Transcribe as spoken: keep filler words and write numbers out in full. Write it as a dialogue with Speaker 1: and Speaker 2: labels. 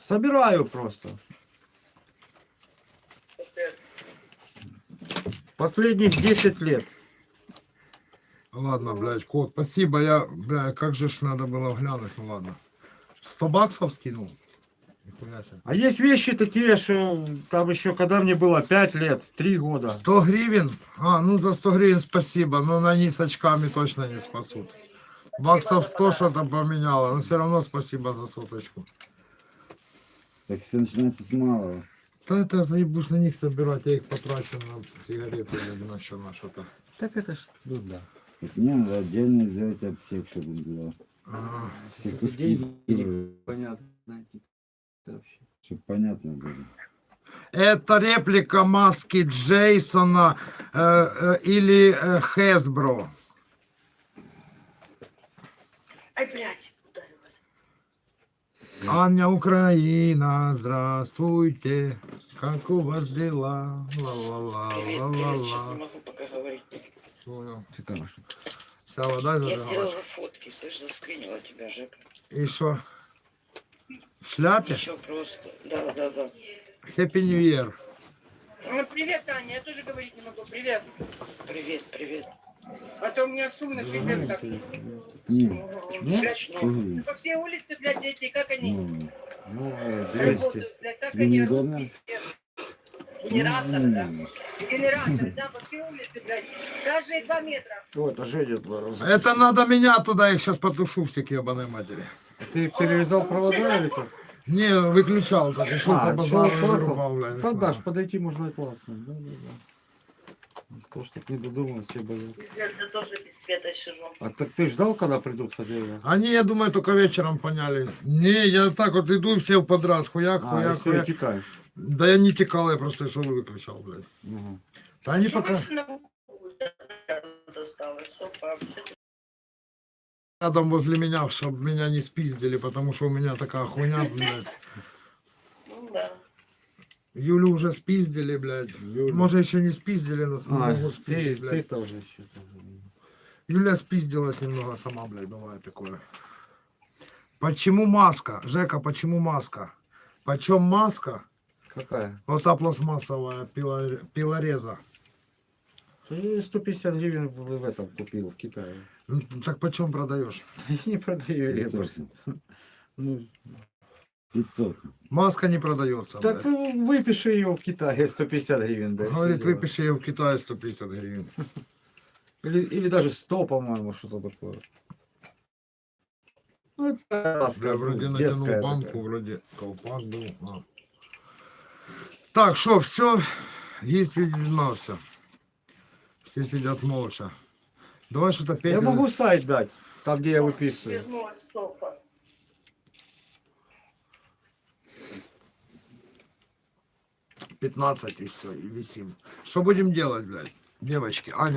Speaker 1: Собираю просто. Последних десять лет.
Speaker 2: Ладно, блядь, кот, спасибо. Я, бля, как же ж надо было глянуть, ну ладно. сто баксов скинул? Нихуя себе.
Speaker 1: А есть вещи такие, что там еще, когда мне было пять лет, три года.
Speaker 2: сто гривен? А, ну за сто гривен спасибо, но на они с очками точно не спасут. Баксов сто что-то поменяло, но все равно спасибо за соточку.
Speaker 3: Так все начинается с малого.
Speaker 2: Да это заебусь на них собирать, я их потрачу на сигареты или на что, на что-то.
Speaker 1: Так это ж, ну да.
Speaker 3: Так мне надо отдельно сделать отсек, чтобы было.
Speaker 2: А,
Speaker 3: Все куски,
Speaker 1: Деньги, понятно. Вообще.
Speaker 3: чтобы понятно было.
Speaker 2: это реплика маски Джейсона э, э, или э, Хесбро.
Speaker 4: Ай, блядь, ударилась.
Speaker 2: Аня Украина, здравствуйте. Как у вас дела?
Speaker 4: Привет, привет, сейчас
Speaker 2: Ла-ла-ла-ла-ла.
Speaker 4: не могу пока говорить.
Speaker 2: Понял.
Speaker 1: Цікаво.
Speaker 2: Сява, дай
Speaker 4: Я
Speaker 2: зажигалочку.
Speaker 4: сделала фотки, слышь, заскринила тебя, Жека.
Speaker 2: И что? В шляпе?
Speaker 4: Еще просто. Да, да, да.
Speaker 2: Happy New Year.
Speaker 5: Ну, привет, Таня, я тоже говорить не могу. Привет.
Speaker 4: Привет, привет.
Speaker 5: А то у меня шумно, пиздец как.
Speaker 3: Не,
Speaker 4: Блядь, ну,
Speaker 3: угу.
Speaker 5: По всей улице, блядь, дети, как они
Speaker 3: Ну,
Speaker 1: Ну, двести.
Speaker 5: работают, блядь, как
Speaker 3: Тебе
Speaker 5: они
Speaker 3: неудобно?
Speaker 5: растут, пиздец. Генераторы, да.
Speaker 3: м,
Speaker 5: Генераторы, да, по всей улице, блядь. Каждые два метра.
Speaker 1: О, это Женя два раза.
Speaker 2: Это надо меня туда, их сейчас потушу все к ебаной матери.
Speaker 1: Ты перерезал провода или как?
Speaker 2: Не, выключал, так и шел
Speaker 1: А,
Speaker 2: по базару,
Speaker 1: шел, классом?
Speaker 2: вырубал, блядь.
Speaker 1: Да, Даш, подойти можно и классно. Да, да, да. То, что не додумал, все боятся.
Speaker 4: пиздец, я тоже без света сижу.
Speaker 1: А так ты ждал, когда придут хозяева?
Speaker 2: Они, я думаю, только вечером поняли. Не, я так вот иду, и все подряд, хуяк,
Speaker 1: А,
Speaker 2: хуяк,
Speaker 1: и все, и
Speaker 2: хуяк.
Speaker 1: текаешь.
Speaker 2: Да я не текал, я просто шел и выключал, блядь.
Speaker 1: Угу.
Speaker 2: Да они
Speaker 4: Что
Speaker 2: пока
Speaker 4: машина досталась? Софа, вообще.
Speaker 2: рядом возле меня, чтобы меня не спиздили, потому что у меня такая хуйня, блядь.
Speaker 4: Ну да.
Speaker 2: Юлю уже спиздили, блядь.
Speaker 1: Юля.
Speaker 2: Может, еще не спиздили, но
Speaker 1: А,
Speaker 2: могут
Speaker 1: ты,
Speaker 2: спиздить,
Speaker 1: ты
Speaker 2: блядь.
Speaker 1: тоже еще.
Speaker 2: Юля спиздилась немного сама, блядь, бывает такое. Почему маска? Жека, почему маска? Почем маска?
Speaker 1: Какая?
Speaker 2: Вот та пластмассовая пила, пилореза.
Speaker 1: Ты сто пятьдесят гривен в, в этом купил в Китае.
Speaker 2: Ну, так почем продаешь?
Speaker 1: Я не продаю ее.
Speaker 3: пятьсот.
Speaker 1: Ну,
Speaker 3: пятьсот.
Speaker 2: Маска не продается.
Speaker 1: так
Speaker 2: блядь.
Speaker 1: выпиши ее в Китае сто пятьдесят гривен. Да, и
Speaker 2: Говорит,
Speaker 1: все дела.
Speaker 2: выпиши ее в Китае сто пятьдесят гривен.
Speaker 1: Или, или даже сто, по-моему, что-то такое. Ну, это раз,
Speaker 2: Бля,
Speaker 1: как,
Speaker 2: вроде
Speaker 1: ну,
Speaker 2: натянул
Speaker 1: детская
Speaker 2: банку,
Speaker 1: такая.
Speaker 2: вроде колпак был. А. Так, что, все, есть видимался. Все сидят молча. Давай что-то петь.
Speaker 1: Я могу сайт дать, там, где я выписываю.
Speaker 4: Вернулась Софа.
Speaker 2: пятнадцать и все, и висим. Что будем делать, блядь? Девочки, Аня.